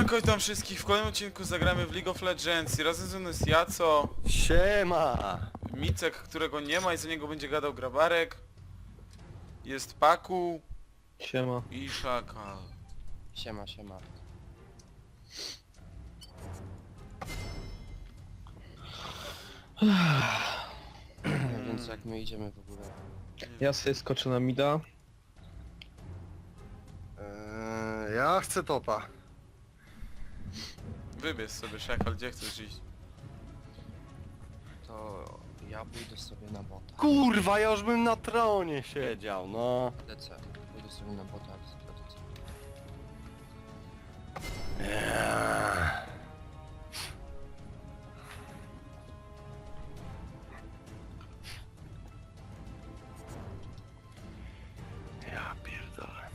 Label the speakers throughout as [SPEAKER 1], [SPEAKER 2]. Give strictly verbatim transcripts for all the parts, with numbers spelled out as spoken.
[SPEAKER 1] Siemanko, witam wszystkich. W kolejnym odcinku zagramy w League of Legends i razem ze mną jest Jaco,
[SPEAKER 2] Siema!
[SPEAKER 1] Micek, którego nie ma i za niego będzie gadał Grabarek, jest Paku
[SPEAKER 3] Siema.
[SPEAKER 1] i Szakal.
[SPEAKER 4] Siema, siema. Więc jak my idziemy w ogóle?
[SPEAKER 3] Ja sobie skoczę na mida.
[SPEAKER 2] Eee, ja chcę topa.
[SPEAKER 1] Wybierz sobie, Szakal, gdzie chcesz iść?
[SPEAKER 4] To ja pójdę sobie na bota.
[SPEAKER 2] Kurwa, ja już bym na tronie siedział, no.
[SPEAKER 4] Lecę. Pójdę sobie na bota, ale sobie lecę.
[SPEAKER 2] Eee. Ja pierdolę.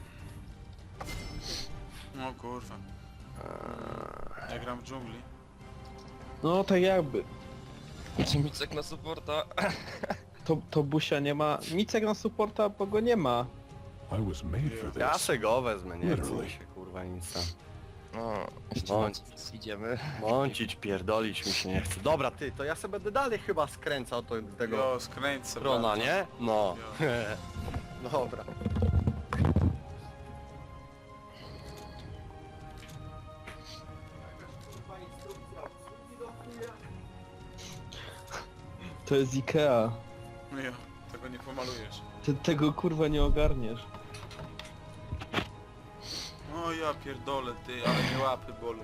[SPEAKER 1] No kurwa, ja gram w dżungli.
[SPEAKER 3] No tak jakby.
[SPEAKER 4] Czy Micek na supporta?
[SPEAKER 3] To, to busia nie ma. Micek na supporta, bo go nie ma.
[SPEAKER 5] I was made for this.
[SPEAKER 2] Ja se go wezmę, nie chcę mi się kurwa nic tam.
[SPEAKER 4] No, jeszcze
[SPEAKER 2] No.
[SPEAKER 4] mąc, idziemy.
[SPEAKER 2] Mącić, pierdolić mi się nie chce. Dobra ty, to ja sobie będę dalej chyba skręcał to, tego
[SPEAKER 1] Jo, skręć sobie.
[SPEAKER 2] trona, nie? No.
[SPEAKER 1] Jo.
[SPEAKER 2] Dobra.
[SPEAKER 3] To jest Ikea.
[SPEAKER 1] No jo, tego nie pomalujesz.
[SPEAKER 3] Ty tego kurwa nie ogarniesz.
[SPEAKER 1] O ja pierdolę ty, ale mnie łapy bolą.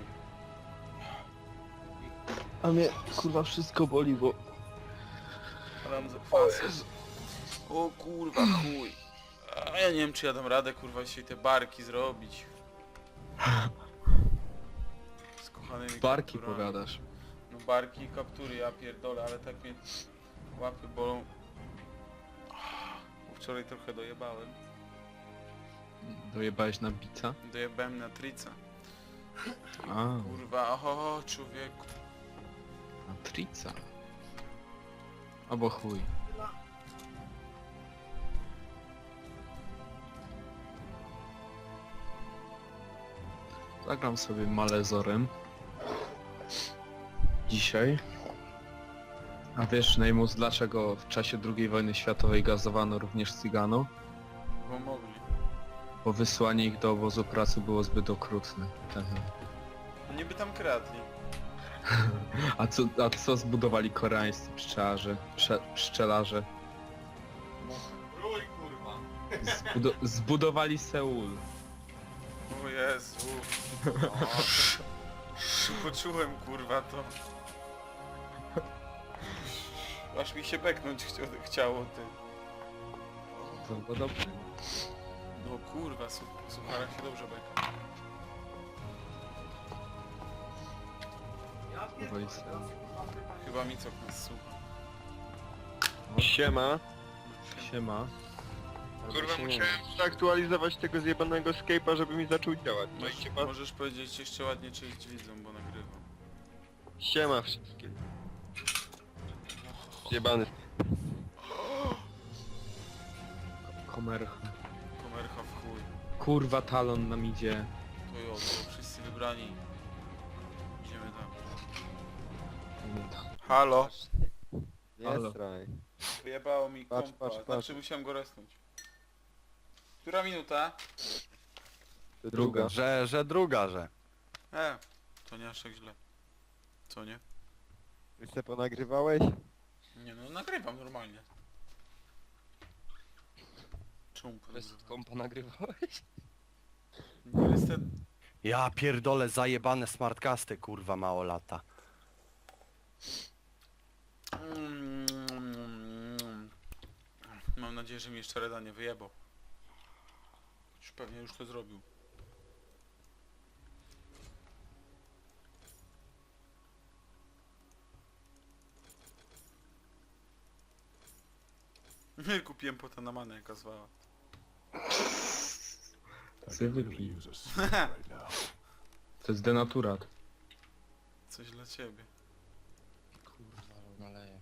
[SPEAKER 3] A mnie kurwa wszystko boli, bo...
[SPEAKER 1] Mam zakwasy. O kurwa chuj. A ja nie wiem czy ja dam radę kurwa dzisiaj te barki zrobić. Z kochanymi
[SPEAKER 3] Barki
[SPEAKER 1] kapturami.
[SPEAKER 3] pogadasz.
[SPEAKER 1] No barki i kaptury, ja pierdolę, ale tak mnie łapy bolą. Bo wczoraj trochę dojebałem.
[SPEAKER 3] Dojebałeś na bica?
[SPEAKER 1] Dojebałem na trica.
[SPEAKER 3] A,
[SPEAKER 1] Kurwa, oho, człowieku.
[SPEAKER 3] na trica. Albo chuj. Zagram sobie Malezorem. Dzisiaj. A wiesz, Neymus, dlaczego w czasie drugiej wojny światowej gazowano również Cygano?
[SPEAKER 1] Bo mogli.
[SPEAKER 3] Bo wysłanie ich do obozu pracy było zbyt okrutne.
[SPEAKER 1] No niby tam kradli.
[SPEAKER 3] A co, a co zbudowali koreańscy pszczelarze? Prze, pszczelarze?
[SPEAKER 1] Rój kurwa.
[SPEAKER 3] Zbudo zbudowali Seul.
[SPEAKER 1] O Jezu. Poczułem kurwa to. Aż mi się beknąć chci chciało ty.
[SPEAKER 3] To było dobre.
[SPEAKER 1] No kurwa, su suchara się dobrze beka.
[SPEAKER 3] Zbudowali Seul.
[SPEAKER 1] Chyba mi co nas słucha.
[SPEAKER 6] Siema.
[SPEAKER 3] Siema.
[SPEAKER 6] Kurwa,
[SPEAKER 4] się nie
[SPEAKER 6] musiałem zaktualizować tego zjebanego Skype'a, żeby mi zaczął działać. No i
[SPEAKER 1] Możesz,
[SPEAKER 6] cieba.
[SPEAKER 1] możesz powiedzieć jeszcze ładnie cześć widzom, bo nagrywam.
[SPEAKER 6] Siema wszystkim. Zjebany.
[SPEAKER 3] Komercha.
[SPEAKER 1] Komercha w chuj.
[SPEAKER 3] Kurwa, talon nam idzie.
[SPEAKER 1] To jo, to wszyscy wybrani. Idziemy tam. Halo?
[SPEAKER 3] Halo.
[SPEAKER 6] straj.
[SPEAKER 1] Wyjebało mi
[SPEAKER 6] Patrz,
[SPEAKER 1] kompa,
[SPEAKER 6] patrz, patrz.
[SPEAKER 1] znaczy musiałem go resnąć. Która minuta?
[SPEAKER 3] Druga.
[SPEAKER 2] Że, że druga, że.
[SPEAKER 1] E, to nie aż tak źle. Co nie?
[SPEAKER 6] Ty se ponagrywałeś?
[SPEAKER 1] Nie no, nagrywam normalnie. Czemu
[SPEAKER 4] Bez
[SPEAKER 1] nagrywam?
[SPEAKER 4] kompa nagrywałeś?
[SPEAKER 1] Niestety...
[SPEAKER 2] Ja pierdolę zajebane smartcasty, kurwa, mało lata.
[SPEAKER 1] Mm. Mam nadzieję, że mi jeszcze Reda nie wyjebał. Już pewnie już to zrobił. Kupiłem pota na manę, jaka zwała.
[SPEAKER 5] I
[SPEAKER 3] Chcę
[SPEAKER 5] could really
[SPEAKER 3] wypić.
[SPEAKER 5] use a sip right now.
[SPEAKER 3] To jest denaturat.
[SPEAKER 1] Coś dla ciebie.
[SPEAKER 4] Kurwa, ale naleję.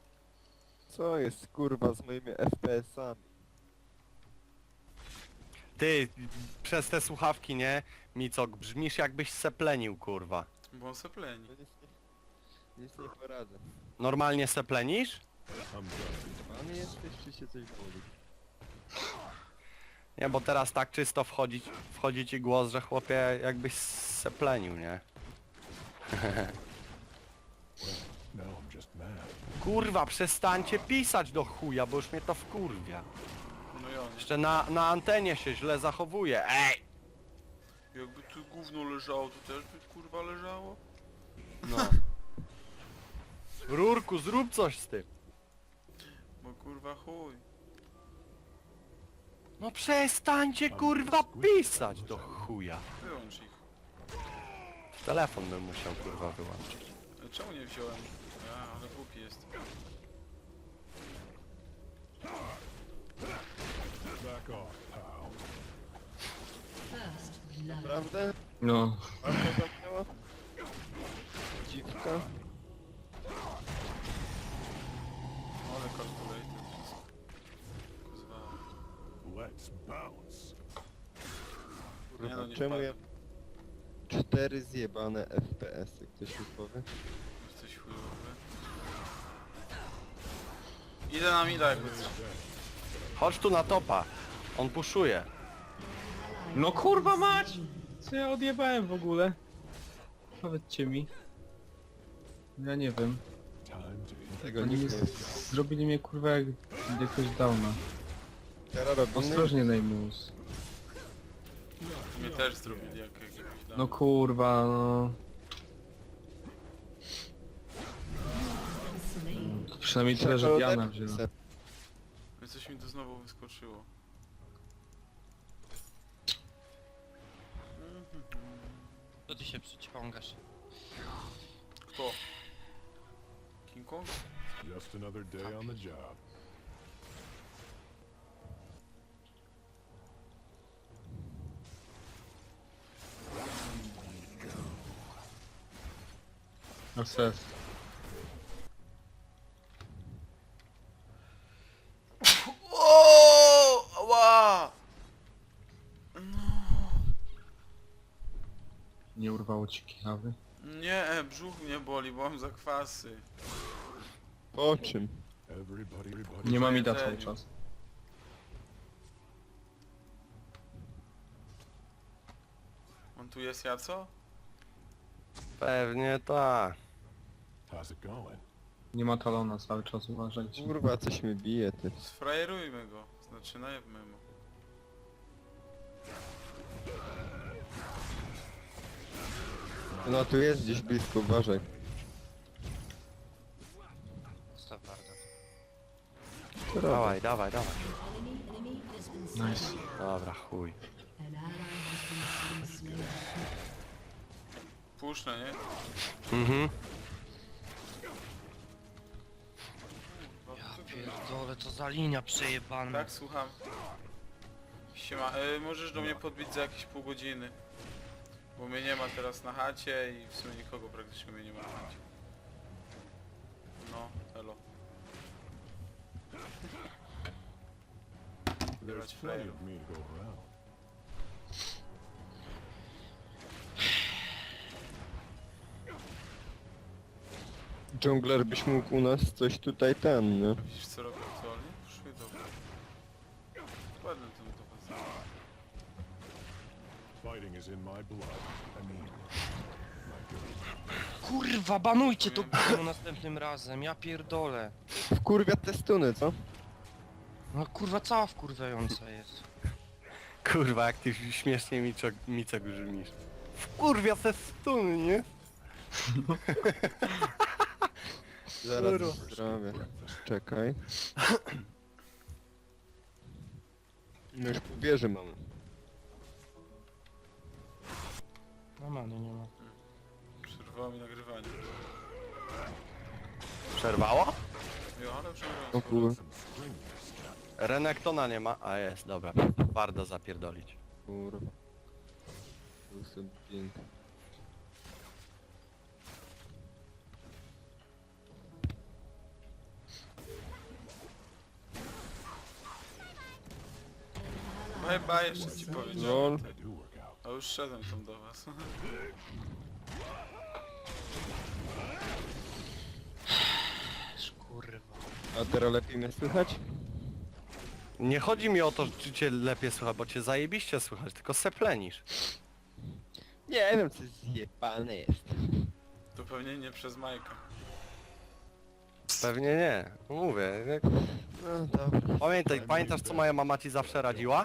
[SPEAKER 6] Co jest kurwa z moimi F P S-ami?
[SPEAKER 2] Ty, przez te słuchawki, nie? Micok, brzmisz jakbyś seplenił, kurwa.
[SPEAKER 1] Bo on se pleni.
[SPEAKER 6] Nic nie poradzę.
[SPEAKER 2] Normalnie seplenisz?
[SPEAKER 5] I'm done.
[SPEAKER 6] Pan jesteś, czy się coś boli?
[SPEAKER 2] Nie, bo teraz tak czysto wchodzi, wchodzi ci głos, że chłopie jakbyś seplenił, nie?
[SPEAKER 5] Now I'm just mad.
[SPEAKER 2] Kurwa, przestańcie pisać do chuja, bo już mnie to wkurwia.
[SPEAKER 1] No i on.
[SPEAKER 2] Jeszcze na, na antenie się źle zachowuje. Ej!
[SPEAKER 1] Jakby tu gówno leżało, to też by kurwa leżało?
[SPEAKER 2] No. Rurku, zrób coś z tym.
[SPEAKER 1] Bo kurwa chuj.
[SPEAKER 2] No przestańcie kurwa pisać do chuja.
[SPEAKER 1] Wyłącz ich.
[SPEAKER 2] Telefon bym musiał kurwa wyłączyć.
[SPEAKER 1] Ale czemu nie wziąłem? Ja, ale głupi jest.
[SPEAKER 5] Back off, pal.
[SPEAKER 6] Naprawdę?
[SPEAKER 3] No,
[SPEAKER 6] Marka zamknęła? Dziwka?
[SPEAKER 1] Ale calculated wszystko. Kozwa.
[SPEAKER 5] Let's bounce.
[SPEAKER 1] Nie no, nie
[SPEAKER 6] Czemu
[SPEAKER 1] wpadłem.
[SPEAKER 6] ja... Cztery zjebane F P S-y, ktoś mi powie?
[SPEAKER 1] Jesteś chujowy. Idę na mida jakby co.
[SPEAKER 2] Chodź tu na topa. On puszuje.
[SPEAKER 3] no kurwa mać! Co ja odjebałem w ogóle? Powiedzcie mi. Ja nie wiem.
[SPEAKER 5] Time to hit.
[SPEAKER 6] Tego
[SPEAKER 3] Oni
[SPEAKER 6] nikt nie
[SPEAKER 3] jest... zrobili mnie kurwa jak jakoś downa.
[SPEAKER 6] Teraz robimy?
[SPEAKER 3] Ostrożnie Neymus.
[SPEAKER 1] Mnie też zrobili jak jakiegoś dam.
[SPEAKER 3] No kurwa, no. To przynajmniej tyle, że Diana wzięła.
[SPEAKER 1] Więc coś mi tu znowu wyskoczyło.
[SPEAKER 4] Co ty się przyciągasz?
[SPEAKER 1] Kto? King Kong?
[SPEAKER 5] Just another day on the job.
[SPEAKER 3] Assess.
[SPEAKER 1] O! Ała!
[SPEAKER 3] Nie urwało ci kichawy?
[SPEAKER 1] Nie, brzuch mnie boli, bo mam zakwasy.
[SPEAKER 6] Po czym?
[SPEAKER 5] Everybody, everybody.
[SPEAKER 3] Nie ma mida
[SPEAKER 1] jedzeniu.
[SPEAKER 3] cały czas.
[SPEAKER 1] On tu jest Jaco?
[SPEAKER 2] Pewnie tak.
[SPEAKER 5] How's it going?
[SPEAKER 3] Nie ma talona cały czas, uważajcie.
[SPEAKER 6] Kurwa, coś mi bije, ty.
[SPEAKER 1] Sfrajerujmy go. Znaczy najebmy mu.
[SPEAKER 6] No tu jest gdzieś blisko, uważaj.
[SPEAKER 4] Staw bardzo.
[SPEAKER 6] Co robię?
[SPEAKER 2] Dawaj, dawaj, dawaj.
[SPEAKER 3] Nice.
[SPEAKER 2] Dobra, chuj.
[SPEAKER 1] Puszczę, nie?
[SPEAKER 2] Mhm.
[SPEAKER 4] Ja pierdolę, co za linia przejebana.
[SPEAKER 1] Tak, słucham. Siema, y, możesz do mnie podbić za jakieś pół godziny. Bo mnie nie ma teraz na chacie i w sumie nikogo praktycznie mnie nie ma na chacie. No, elo.
[SPEAKER 5] There's plenty of me to go around.
[SPEAKER 6] Dżungler byś mógł u nas coś tutaj ten, nie?
[SPEAKER 1] Widzisz co robię aktualnie? Poszły dobra. Ładny ten to was.
[SPEAKER 5] Fighting is in my blood. I mean, my good.
[SPEAKER 4] Kurwa, banujcie to gówno następnym razem, ja pierdolę.
[SPEAKER 6] Wkurwia te stuny, co?
[SPEAKER 4] No kurwa, cała wkurwiająca jest.
[SPEAKER 2] Kurwa, jak ty śmiesznie Micok, Micok brzmisz. Kurwia se stuny, nie?
[SPEAKER 6] Zaraz
[SPEAKER 2] Kurwa.
[SPEAKER 6] zrobię. Czekaj. No już pół wieży mamy.
[SPEAKER 4] No many nie ma.
[SPEAKER 1] Przerwało mi nagrywanie.
[SPEAKER 2] Przerwało?
[SPEAKER 1] Jo, ale przerwało.
[SPEAKER 6] O kur...
[SPEAKER 2] Renektona nie ma. A jest, dobra. Warto zapierdolić.
[SPEAKER 6] Kurwa. Tu sobie pięknie.
[SPEAKER 1] Bye bye, jeszcze ci powiedziałem.
[SPEAKER 6] Lol.
[SPEAKER 5] They do work out.
[SPEAKER 1] A już szedłem tam do was.
[SPEAKER 4] Kurwa.
[SPEAKER 6] A teraz lepiej mnie słychać?
[SPEAKER 2] Nie chodzi mi o to, czy cię lepiej słychać, bo cię zajebiście słychać, tylko seplenisz.
[SPEAKER 6] Nie wiem, co zjebane jest.
[SPEAKER 1] To pewnie nie przez Majka.
[SPEAKER 2] Pewnie nie. Mówię. jak-
[SPEAKER 6] No dobra.
[SPEAKER 2] Pamiętaj, pamiętasz co moja mama ci zawsze radziła?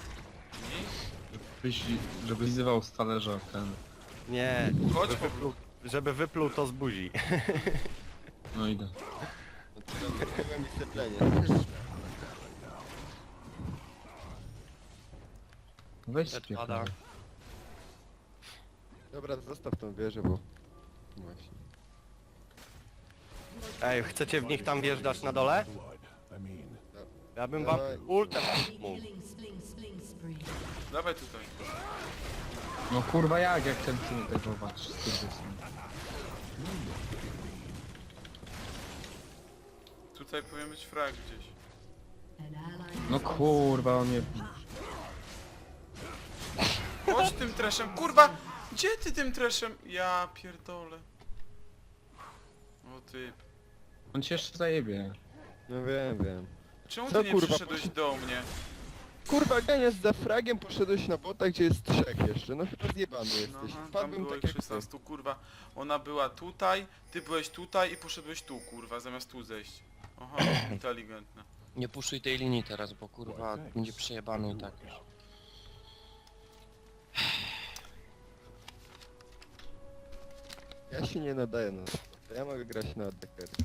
[SPEAKER 3] Byś, żeby wyzywał z talerza ten.
[SPEAKER 2] Nie.
[SPEAKER 1] Chodź
[SPEAKER 2] Żeby
[SPEAKER 1] po
[SPEAKER 2] wypluł, żeby wypluł to z buzi.
[SPEAKER 3] No idę.
[SPEAKER 6] No teraz zrobiłem mi steplenie.
[SPEAKER 3] Weź
[SPEAKER 4] Pada.
[SPEAKER 3] spierdolę.
[SPEAKER 6] Dobra, zostaw tą wieżę, bo... Właśnie.
[SPEAKER 2] Ej, chcecie w nich tam wjeżdżać na dole?
[SPEAKER 5] Blood. I mean,
[SPEAKER 2] Ja bym wam
[SPEAKER 6] Dawaj.
[SPEAKER 2] ultem mógł.
[SPEAKER 1] Dawaj tutaj.
[SPEAKER 3] No kurwa jak, jak ten film tego walczy z tym.
[SPEAKER 1] Tutaj powinien być frag gdzieś.
[SPEAKER 3] No kurwa, on mnie...
[SPEAKER 1] Chodź tym treszem, kurwa! Gdzie ty tym treszem? Ja pierdolę. O ty.
[SPEAKER 3] On cię jeszcze zajebie.
[SPEAKER 6] No wiem, wiem.
[SPEAKER 1] Czemu
[SPEAKER 6] Co,
[SPEAKER 1] ty nie
[SPEAKER 6] kurwa,
[SPEAKER 1] przyszedłeś
[SPEAKER 6] poszedł-
[SPEAKER 1] do mnie?
[SPEAKER 6] Kurwa, ganiasz za fragiem, poszedłeś na bota, gdzie jest trzech jeszcze. No chyba zjebany
[SPEAKER 1] No,
[SPEAKER 6] jesteś.
[SPEAKER 1] aha, tam
[SPEAKER 6] Wpadłbym
[SPEAKER 1] było
[SPEAKER 6] tak
[SPEAKER 1] ich
[SPEAKER 6] jak ty.
[SPEAKER 1] szesnastu, kurwa. Ona była tutaj, ty byłeś tutaj i poszedłeś tu, kurwa, zamiast tu zejść. Aha, inteligentna.
[SPEAKER 4] Nie puszuj tej linii teraz, bo kurwa będzie przejebany i tak już.
[SPEAKER 6] Ja się nie nadaję na to. Ja mogę grać na A D K.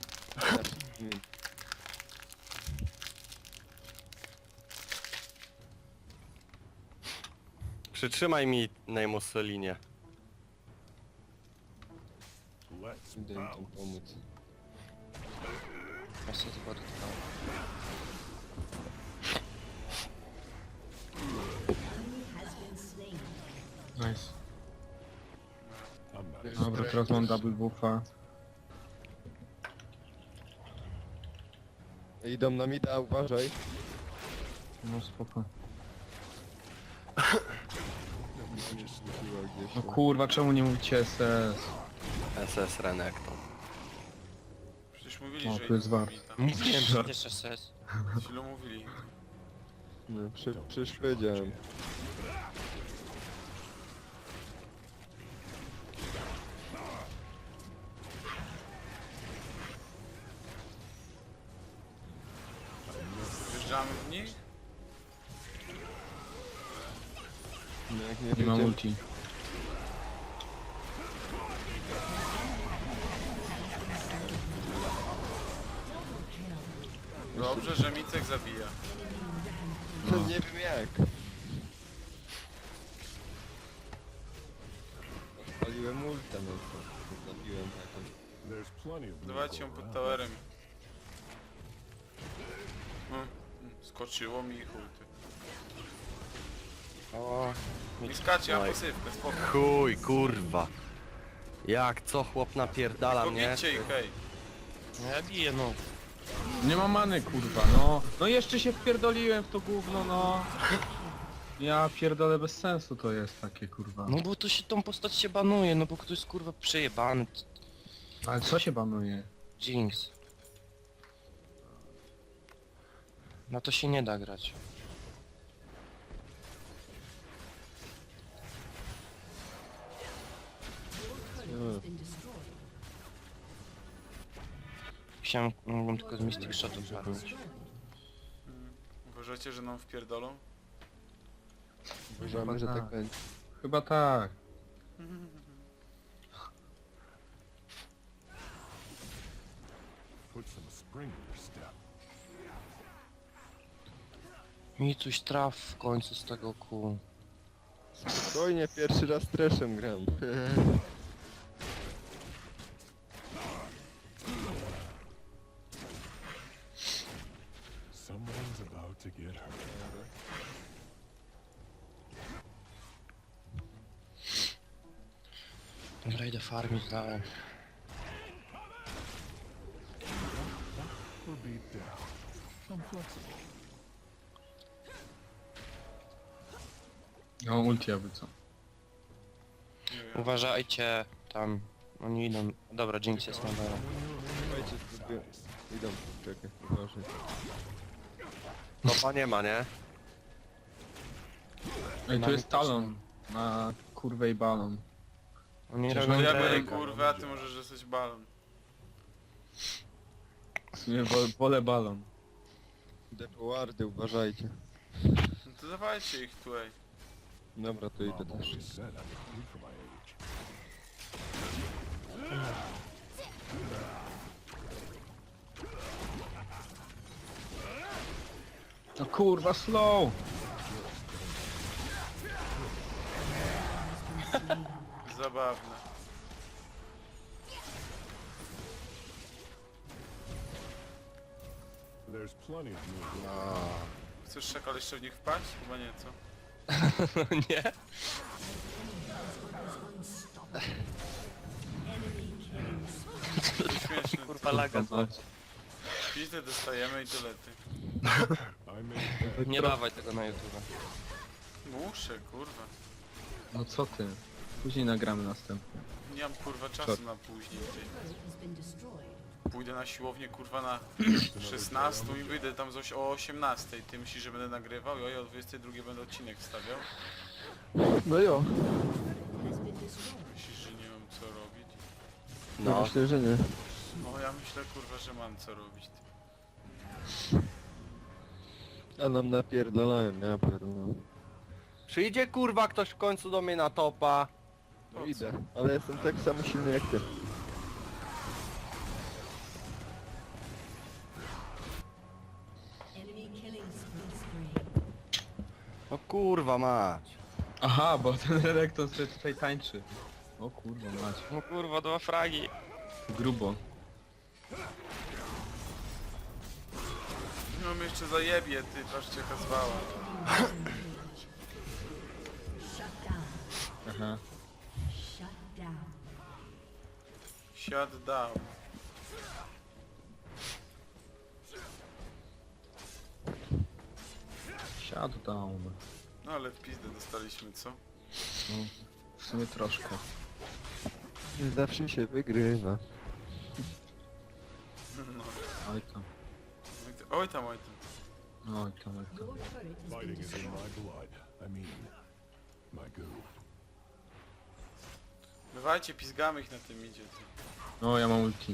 [SPEAKER 2] Przytrzymaj mi Neymus linię.
[SPEAKER 5] let's
[SPEAKER 6] Idę im tam
[SPEAKER 5] bounce.
[SPEAKER 6] pomóc.
[SPEAKER 4] Ja sobie tylko dotknąłem.
[SPEAKER 3] Nice.
[SPEAKER 5] I'm not
[SPEAKER 6] Wiesz,
[SPEAKER 3] Dobra,
[SPEAKER 6] tak-
[SPEAKER 3] teraz mam double buffa.
[SPEAKER 6] Idą na mida, uważaj.
[SPEAKER 3] No spoko.
[SPEAKER 6] Nie strzeliła gdzieś.
[SPEAKER 3] No kurwa, czemu nie mówicie S S?
[SPEAKER 2] S S Renekton.
[SPEAKER 1] Przecież mówili,
[SPEAKER 3] O,
[SPEAKER 1] że
[SPEAKER 3] tu jest
[SPEAKER 1] idą
[SPEAKER 3] war.
[SPEAKER 1] mi tam.
[SPEAKER 4] Mówiłem, że też S S.
[SPEAKER 1] Chwilę mówili.
[SPEAKER 6] No, przy, przecież powiedziałem.
[SPEAKER 1] Wjeżdżamy w nich?
[SPEAKER 6] No jak nie
[SPEAKER 3] Nie mam
[SPEAKER 6] wiedziałem.
[SPEAKER 3] ulti.
[SPEAKER 1] Dobrze, że Micek zabija.
[SPEAKER 6] No nie wiem jak. Odpaliłem ulta, no to zabiłem taką.
[SPEAKER 5] There's plenty of blue
[SPEAKER 1] Dawajcie ją
[SPEAKER 5] going
[SPEAKER 1] pod
[SPEAKER 5] around.
[SPEAKER 1] towerem. Hmm, skoczyło mi i chuj ty.
[SPEAKER 4] O,
[SPEAKER 1] Nie skacie, mam
[SPEAKER 2] Oj.
[SPEAKER 1] pasywkę, spoko.
[SPEAKER 2] Chuj, kurwa. Jak co chłop napierdala mnie?
[SPEAKER 1] Pobicie ich, hej.
[SPEAKER 4] no ja biję no.
[SPEAKER 3] Nie mam many kurwa, no. No jeszcze się wpierdoliłem w to gówno, no. Ja pierdolę, bez sensu to jest takie kurwa.
[SPEAKER 4] No bo to się tą postać się banuje, no bo ktoś jest kurwa przejebany.
[SPEAKER 3] Ale co się banuje?
[SPEAKER 4] Jinx. Na to się nie da grać.
[SPEAKER 6] No.
[SPEAKER 4] Chciałem, mogłem tylko z Mystic Shotów padnąć.
[SPEAKER 1] Hmm. Uważacie, że nam wpierdolą?
[SPEAKER 6] Uważamy, że tak będzie.
[SPEAKER 3] Chyba tak.
[SPEAKER 5] Put some spring in your step.
[SPEAKER 4] Mi coś traf w końcu z tego kół.
[SPEAKER 6] Spokojnie, pierwszy raz treszem gram.
[SPEAKER 5] Someone's about to get hurt.
[SPEAKER 4] Dobra, idę farmić dalej.
[SPEAKER 5] Or beat down. I'm flexible.
[SPEAKER 3] No ulti jakby co.
[SPEAKER 1] Nie wiem.
[SPEAKER 4] Uważajcie, tam. Oni idą. Dobra, Jinx jest na dole.
[SPEAKER 6] Słuchajcie, sobie... Idą, czekaj, uważaj.
[SPEAKER 2] Topa nie ma, nie?
[SPEAKER 3] Ej, tu
[SPEAKER 4] Mamy
[SPEAKER 3] jest talon. Na kurwę i balon.
[SPEAKER 4] Oni
[SPEAKER 3] Przecież
[SPEAKER 4] robią
[SPEAKER 3] oni
[SPEAKER 1] Ja
[SPEAKER 3] Drake'a.
[SPEAKER 1] biorę
[SPEAKER 4] Drake'a.
[SPEAKER 1] kurwę, a ty możesz dostać balon.
[SPEAKER 3] W sumie wo- wolę balon.
[SPEAKER 6] Depowardy, uważajcie.
[SPEAKER 1] No to dawajcie ich tu, ej.
[SPEAKER 6] Dobra, to idę
[SPEAKER 5] Mom
[SPEAKER 6] też.
[SPEAKER 5] always said I'm too for my age.
[SPEAKER 3] No kurwa, slow!
[SPEAKER 1] Zabawne.
[SPEAKER 5] There's plenty of new
[SPEAKER 1] Chcesz szakal jeszcze w nich wpaść? Chyba nie, co?
[SPEAKER 4] Nie?
[SPEAKER 1] Śmieszne.
[SPEAKER 4] Kurwa laga.
[SPEAKER 1] Pizdy dostajemy i dolety.
[SPEAKER 5] I made
[SPEAKER 4] Nie dawaj tego na YouTube.
[SPEAKER 1] Muszę, kurwa.
[SPEAKER 3] No co ty? Później nagramy następny.
[SPEAKER 1] Nie mam kurwa czasu na później. Ty. Pójdę na siłownię kurwa na szesnastą i wyjdę tam coś o osiemnastej. Ty myślisz, że będę nagrywał? Jo, ja o dwudziestej drugiej będę odcinek wstawiał?
[SPEAKER 6] No jo,
[SPEAKER 1] Myślisz, że nie mam co robić?
[SPEAKER 6] no
[SPEAKER 2] No.
[SPEAKER 6] myślę, że nie.
[SPEAKER 1] No ja myślę kurwa, że mam co robić. Ty.
[SPEAKER 6] A nam napierdalają, ja pierdolę.
[SPEAKER 2] Przyjdzie kurwa ktoś w końcu do mnie na topa.
[SPEAKER 6] No idę, ale jestem tak samo silny jak ty.
[SPEAKER 2] No kurwa mać.
[SPEAKER 3] Aha, bo ten Renekton sobie tutaj tańczy. O kurwa mać.
[SPEAKER 4] No kurwa, dwa fragi.
[SPEAKER 3] Grubo.
[SPEAKER 1] No mnie jeszcze zajebie, ty, patrzcie jaka zwała.
[SPEAKER 3] Aha.
[SPEAKER 1] Shut down.
[SPEAKER 3] Siadł down.
[SPEAKER 1] No ale w pizdę dostaliśmy, co?
[SPEAKER 3] No, w sumie troszkę.
[SPEAKER 6] Nie zawsze się wygrywa.
[SPEAKER 1] No.
[SPEAKER 3] Oj tam.
[SPEAKER 1] Oj tam, oj tam, oj tam.
[SPEAKER 3] Oj tam, oj tam.
[SPEAKER 5] fighting is in my blood. I mean, my goo.
[SPEAKER 1] Bywajcie, pizgamy ich na tym idzie, ty.
[SPEAKER 3] No, ja mam ulti.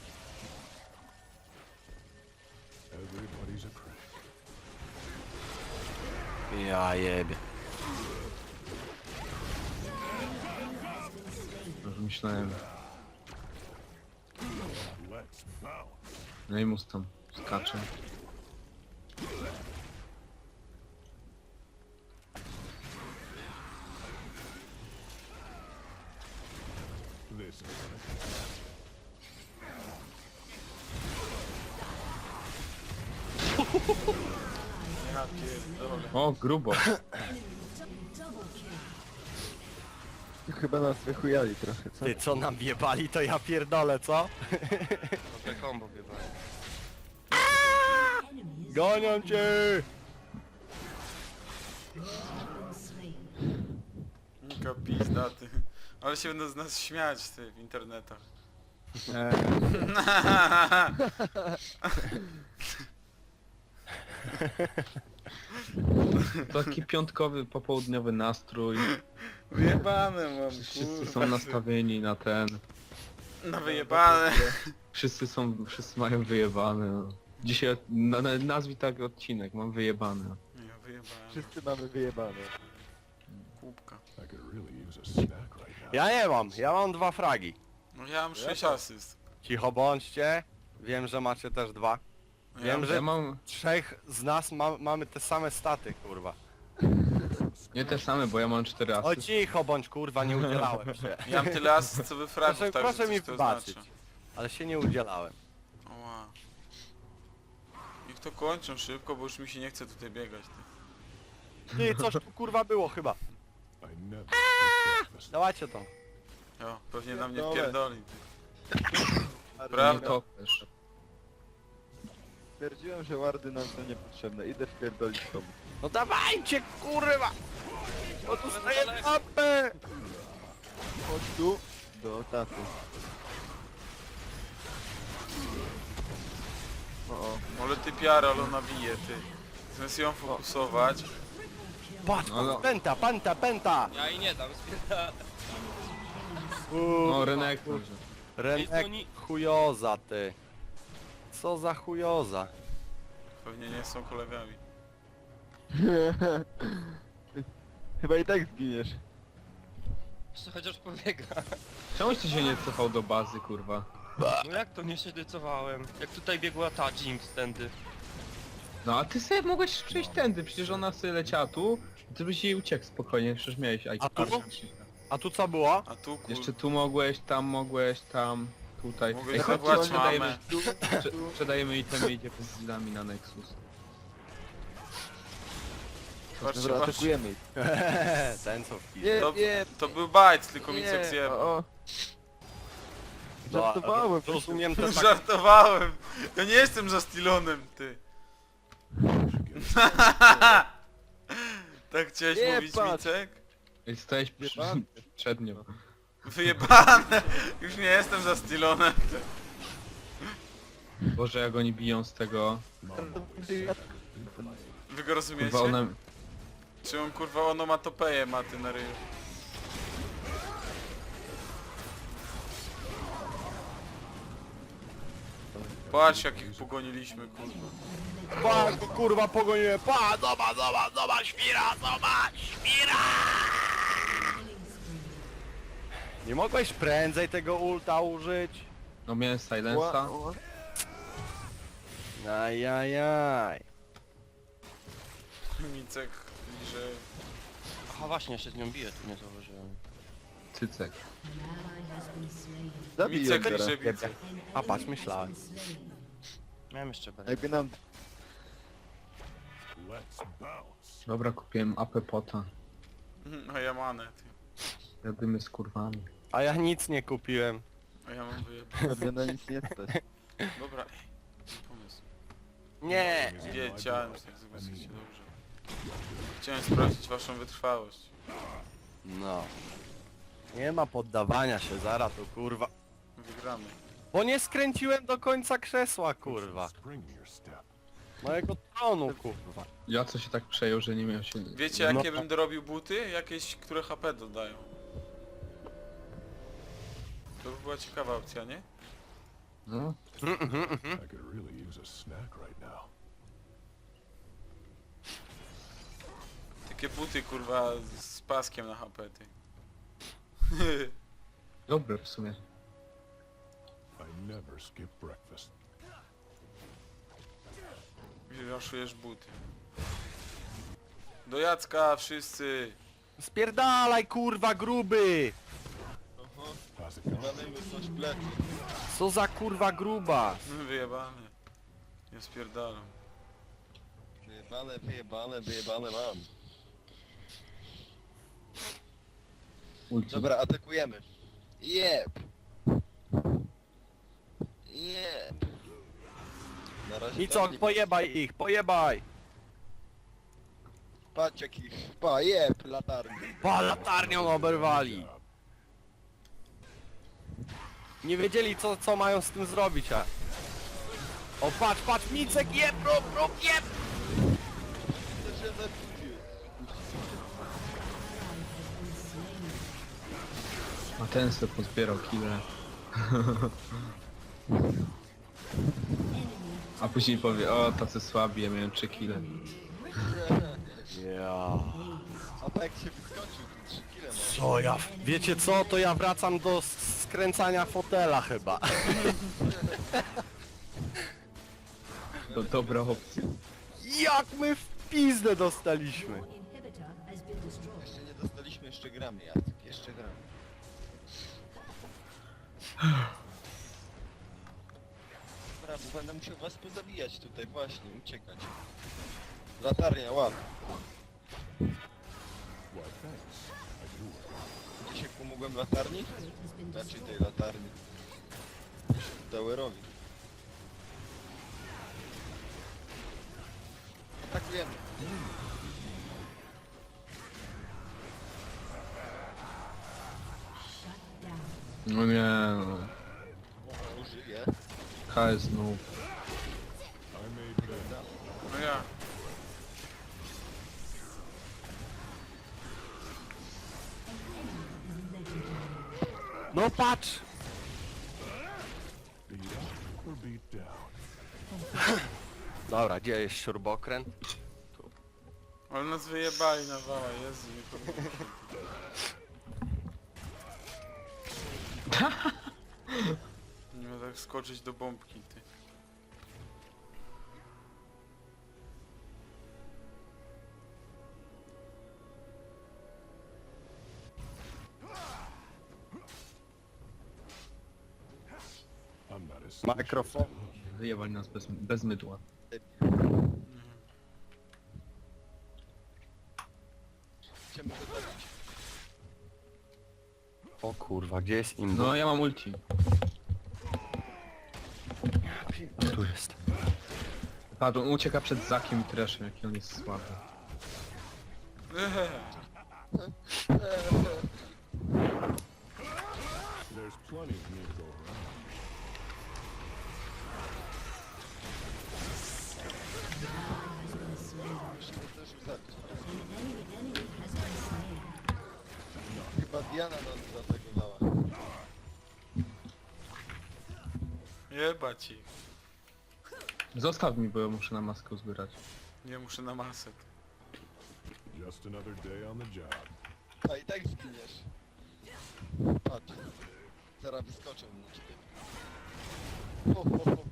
[SPEAKER 5] Everybody's a crack.
[SPEAKER 2] Ja jebie.
[SPEAKER 3] Już myślałem.
[SPEAKER 5] Let's bounce.
[SPEAKER 3] No i mus tam skacze.
[SPEAKER 5] This is
[SPEAKER 1] Ja pierdolę.
[SPEAKER 3] O, grubo.
[SPEAKER 6] Chyba nas wychujali trochę, co?
[SPEAKER 2] Ty co nam jebali, to ja pierdolę, co?
[SPEAKER 4] Dobre combo chyba.
[SPEAKER 2] Gonią cię!
[SPEAKER 1] Nika pizda, ty. Ale się będą z nas śmiać, ty, w internetach.
[SPEAKER 3] Eee, taki piątkowy, popołudniowy nastrój.
[SPEAKER 1] Wyjebane mam,
[SPEAKER 3] Wszyscy
[SPEAKER 1] kurwa.
[SPEAKER 3] są nastawieni na ten.
[SPEAKER 1] Na wyjebane.
[SPEAKER 3] Wszyscy są, wszyscy mają wyjebane. No. Dzisiaj, na, na, nazwij tak odcinek, mam wyjebane.
[SPEAKER 1] Ja wyjebałem.
[SPEAKER 6] Wszyscy mamy wyjebane.
[SPEAKER 1] Kubka.
[SPEAKER 5] I could really use a snack right now.
[SPEAKER 2] Ja nie mam, ja mam dwa fragi.
[SPEAKER 1] No ja mam sześć asyst.
[SPEAKER 2] Cicho bądźcie. Wiem, że macie też dwa.
[SPEAKER 1] Ja
[SPEAKER 2] Wiem,
[SPEAKER 1] mam-
[SPEAKER 2] że
[SPEAKER 3] Ja mam
[SPEAKER 2] trzech z nas ma, mamy te same staty, kurwa.
[SPEAKER 3] nie te same, bo ja mam cztery
[SPEAKER 2] O
[SPEAKER 3] asy.
[SPEAKER 2] cicho bądź, kurwa, nie udzielałem się.
[SPEAKER 1] Ja mam tyle asyst co wy fragów,
[SPEAKER 2] Proszę,
[SPEAKER 1] także
[SPEAKER 2] proszę
[SPEAKER 1] coś
[SPEAKER 2] mi
[SPEAKER 1] to
[SPEAKER 2] wybaczyć.
[SPEAKER 1] znaczy.
[SPEAKER 2] Ale się nie udzielałem.
[SPEAKER 1] Oła. Niech to kończą szybko, bo już mi się nie chce tutaj biegać. Ty.
[SPEAKER 2] Ty, coś tu kurwa było chyba.
[SPEAKER 5] I never ate breakfast.
[SPEAKER 2] Dawajcie to.
[SPEAKER 1] Jo, pewnie na mnie
[SPEAKER 6] Pierdolę.
[SPEAKER 1] wpierdoli. Ty.
[SPEAKER 3] Nie
[SPEAKER 1] Prawda?
[SPEAKER 3] kopiesz.
[SPEAKER 6] Stwierdziłem, że wardy nam są niepotrzebne. Idę wpierdolić komu.
[SPEAKER 2] No dawajcie, kurwa! O, dostaję tapę!
[SPEAKER 6] Chodź tu. Do taty. O, o.
[SPEAKER 1] Ale ty piara, ale ona bije, ty. Zamiast ją fokusować.
[SPEAKER 2] Patrz,
[SPEAKER 3] No, no.
[SPEAKER 2] pęta, pęta, pęta!
[SPEAKER 4] Ja i nie dam, spierdala.
[SPEAKER 3] No, Renek może.
[SPEAKER 2] Renek, chujoza ty. Co za chujoza?
[SPEAKER 1] Pewnie nie są kolegami.
[SPEAKER 6] Chyba i tak zginiesz.
[SPEAKER 4] Jeszcze chociaż pobiega.
[SPEAKER 3] Czemuś ty się nie cofał do bazy, kurwa?
[SPEAKER 4] No jak to nie się decydowałem? Jak tutaj biegła ta Jinx tędy.
[SPEAKER 3] No a ty sobie mogłeś przejść tędy, przecież ona sobie leciała tu, i ty byś jej uciekł spokojnie, przecież miałeś
[SPEAKER 2] A tu?
[SPEAKER 3] Archer.
[SPEAKER 2] A tu co było?
[SPEAKER 1] A tu kur...
[SPEAKER 3] Jeszcze tu mogłeś, tam mogłeś, tam, tutaj.
[SPEAKER 1] Mogłeś
[SPEAKER 3] Ej, chodźcie,
[SPEAKER 1] zawołać
[SPEAKER 3] sprzedajemy,
[SPEAKER 1] mamę.
[SPEAKER 3] sprze- sprzedajemy itemy i idziemy z nami na Nexus.
[SPEAKER 1] Patrzcie,
[SPEAKER 6] Dobra,
[SPEAKER 1] patrzcie.
[SPEAKER 6] atakujemy ich.
[SPEAKER 2] Ten co wpis.
[SPEAKER 6] Nie,
[SPEAKER 1] To,
[SPEAKER 6] nie,
[SPEAKER 1] to był bajc, tylko mi
[SPEAKER 6] nie.
[SPEAKER 1] co zjebał.
[SPEAKER 6] O, o. Żartowałem.
[SPEAKER 2] Rozumiem to tak.
[SPEAKER 1] Żartowałem! Ja nie jestem za Stilonem, ty. Tak chciałeś
[SPEAKER 6] Nie,
[SPEAKER 1] mówić,
[SPEAKER 6] patrz.
[SPEAKER 1] Micek?
[SPEAKER 3] Ej, stałeś przy,
[SPEAKER 6] Jebany.
[SPEAKER 3] przed nią.
[SPEAKER 1] Wyjebane! Już nie jestem za Stilonem.
[SPEAKER 3] Boże, jak oni biją z tego.
[SPEAKER 1] Wy go rozumiecie?
[SPEAKER 3] Kurwa, ona...
[SPEAKER 1] Czy on kurwa onomatopeję ma ty na ryju? Patrz jakich pogoniliśmy kurwa.
[SPEAKER 2] Pa, go, kurwa pogoniłem. Pa, zobacz, zobacz, zobacz, świra, zobacz, świra! Nie mogłeś prędzej tego ulta użyć?
[SPEAKER 3] No miałem silensa.
[SPEAKER 2] Ajajaj.
[SPEAKER 1] Micek, że...
[SPEAKER 4] Aha właśnie, ja się z nią biję, tu nie zauważyłem.
[SPEAKER 3] Cycek.
[SPEAKER 6] Zabij ją
[SPEAKER 1] Micek
[SPEAKER 6] teraz.
[SPEAKER 1] liże Micek.
[SPEAKER 2] A patrz, myślałem.
[SPEAKER 4] Miałem jeszcze B.
[SPEAKER 6] Jakby nam...
[SPEAKER 5] Let's bounce.
[SPEAKER 3] Dobra, kupiłem A P pota.
[SPEAKER 1] A ja manę, ty.
[SPEAKER 3] Jadymy z kurwami.
[SPEAKER 2] A ja nic nie kupiłem.
[SPEAKER 1] A ja mam wyjebane.
[SPEAKER 6] Sobie na nic nie stać.
[SPEAKER 1] Dobra, ej. Pomysł.
[SPEAKER 2] Nie.
[SPEAKER 1] Wiedziałem, że tak zobaczycie dobrze. Chciałem sprawdzić waszą wytrwałość.
[SPEAKER 2] No. Nie ma poddawania się, zaraz to kurwa.
[SPEAKER 1] Wygramy.
[SPEAKER 2] Bo nie skręciłem do końca krzesła, kurwa.
[SPEAKER 5] Spring in your step.
[SPEAKER 2] Mojego tronu, kurwa.
[SPEAKER 3] Ja co się tak przejął, że nie miał się...
[SPEAKER 1] Wiecie jakie
[SPEAKER 2] No.
[SPEAKER 1] bym dorobił buty? Jakieś, które H P dodają. To by była ciekawa opcja, nie?
[SPEAKER 3] No.
[SPEAKER 5] I could really use a snack right now.
[SPEAKER 1] Takie buty kurwa z paskiem na H P, ty.
[SPEAKER 3] Dobre w sumie.
[SPEAKER 5] I never skip breakfast.
[SPEAKER 1] Raszujesz buty. Do Jacka wszyscy!
[SPEAKER 2] Spierdalaj, kurwa, gruby!
[SPEAKER 5] How's it going?
[SPEAKER 2] Co za kurwa gruba?
[SPEAKER 1] Wyjebane. Nie spierdalam.
[SPEAKER 6] Wyjebane, wyjebane, wyjebane mam.
[SPEAKER 3] Ulti.
[SPEAKER 6] Dobra, atakujemy. Jeb! Jeb! Na razie
[SPEAKER 2] I co,
[SPEAKER 6] tam-
[SPEAKER 2] pojebaj ich, pojebaj!
[SPEAKER 6] Patrz jakich... Pa, jeb, latarni.
[SPEAKER 2] Pa, latarnią oberwali! Nie wiedzieli co, co mają z tym zrobić, a... O, patrz, patrz, Micek, jeb, rób, rób, jeb!
[SPEAKER 3] A ten se pozbierał kile. A później powie, o tacy słabi, ja miałem trzy kile.
[SPEAKER 2] Ja...
[SPEAKER 6] A tak się wyskoczył, trzy kile ma.
[SPEAKER 2] Co ja... Wiecie co, to ja wracam do s- skręcania fotela chyba.
[SPEAKER 3] To dobra opcja.
[SPEAKER 2] Jak my w pizdę dostaliśmy!
[SPEAKER 6] Jeszcze nie dostaliśmy, jeszcze gramy, Jacek, jeszcze gramy. Dobra, bo będę musiał was pozabijać tutaj, właśnie, uciekać. Latarnia, łap.
[SPEAKER 5] Why thanks. I do it.
[SPEAKER 6] Dzisiaj pomogłem latarni? Znaczy tej latarni. Towerowi. Atakujemy.
[SPEAKER 3] No nie no.
[SPEAKER 6] O, żyje.
[SPEAKER 3] K S noob.
[SPEAKER 5] I made that.
[SPEAKER 1] No ja.
[SPEAKER 2] No patrz!
[SPEAKER 5] Beat up or beat down.
[SPEAKER 2] Dobra, gdzie jest śrubokręt?
[SPEAKER 1] Ale nas wyjebali na wała, Jezu, nie powiem. Nie ma tak skoczyć do bombki, ty.
[SPEAKER 5] I'm not as skilled.
[SPEAKER 2] Mikrofon.
[SPEAKER 3] Wyjebali nas bez, bez mydła.
[SPEAKER 6] Chcemy go zabić.
[SPEAKER 2] O kurwa, gdzie jest im?
[SPEAKER 3] No ja mam ulti.
[SPEAKER 2] Tu jest.
[SPEAKER 3] Patrz, on ucieka przed Zakiem i Treszem, jaki on jest słaby.
[SPEAKER 5] There's plenty of me to go around.
[SPEAKER 6] Musimy też ich zabić. Chyba Diana nas zaatakowała.
[SPEAKER 1] Jebać ich.
[SPEAKER 3] Zostaw mi, bo ja muszę na maskę zbierać.
[SPEAKER 1] Nie muszę na masek.
[SPEAKER 5] Just another day on the job.
[SPEAKER 6] A i tak zginiesz. Patrz. Zaraz wyskoczę na ciebie. Ho, ho, ho.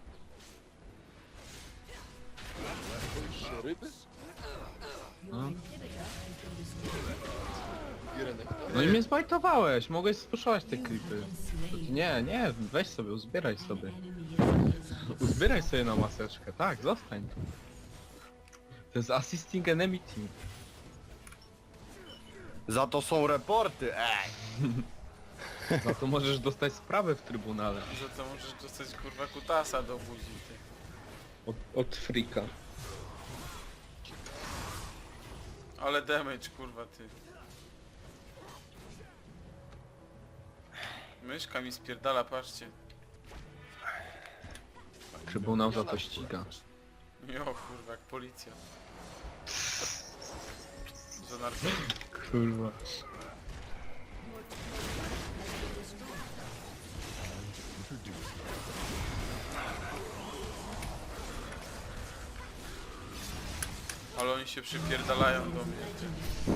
[SPEAKER 6] Boisz się ryby?
[SPEAKER 3] No.
[SPEAKER 6] Irenek.
[SPEAKER 3] No i mnie zbajtowałeś, mogłeś spuszować te klipy. Nie, nie, weź sobie, uzbieraj sobie. Uzbieraj sobie na maseczkę, tak, zostań tu. To jest assisting enemy team.
[SPEAKER 2] Za to są reporty, ej!
[SPEAKER 3] Za to możesz dostać sprawę w trybunale.
[SPEAKER 1] Za to możesz dostać kurwa kutasa do buzi, ty.
[SPEAKER 3] Od, od frika.
[SPEAKER 1] Ale damage kurwa, ty. Myszka mi spierdala, patrzcie.
[SPEAKER 3] Trybunał za to ściga.
[SPEAKER 1] Jo kurwa, jak policja. Za narkotyki.
[SPEAKER 3] Kurwa.
[SPEAKER 1] Ale oni się przypierdalają do mnie, ty.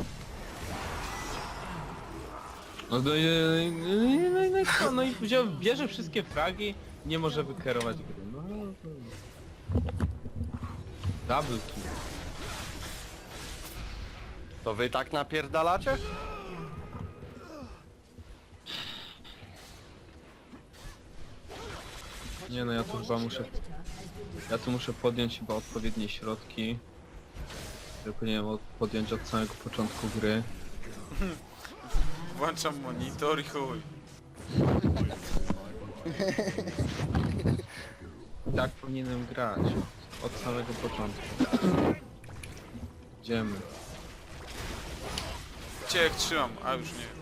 [SPEAKER 3] No, no, i- no, no, no, i co? No i wziął, bierze wszystkie fragi, nie może wykierować gry. No, no, no. Double kill.
[SPEAKER 2] To wy tak napierdalacie?
[SPEAKER 3] Nie no, ja tu chyba muszę... Ja tu muszę podjąć chyba odpowiednie środki. Które powinienem od- podjąć od samego początku gry.
[SPEAKER 1] Włączam monitor i chuj.
[SPEAKER 3] Tak powinienem grać. Od samego początku. Idziemy.
[SPEAKER 1] Cię jak trzymam, a już nie.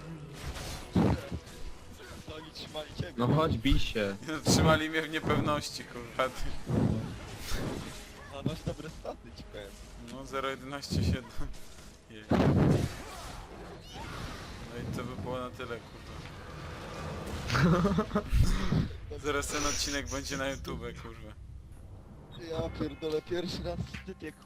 [SPEAKER 6] To oni trzymali ciebie.
[SPEAKER 3] No chodź, bij się.
[SPEAKER 1] Trzymali mnie w niepewności, kurwa, ty.
[SPEAKER 6] A masz dobre staty, ci powiem.
[SPEAKER 1] No zero jedenaście siedem. Je. No i to by było na tyle, kurwa. Zaraz ten odcinek będzie na YouTube, kurwa.
[SPEAKER 6] Ja pierdolę, pierwszy raz w typie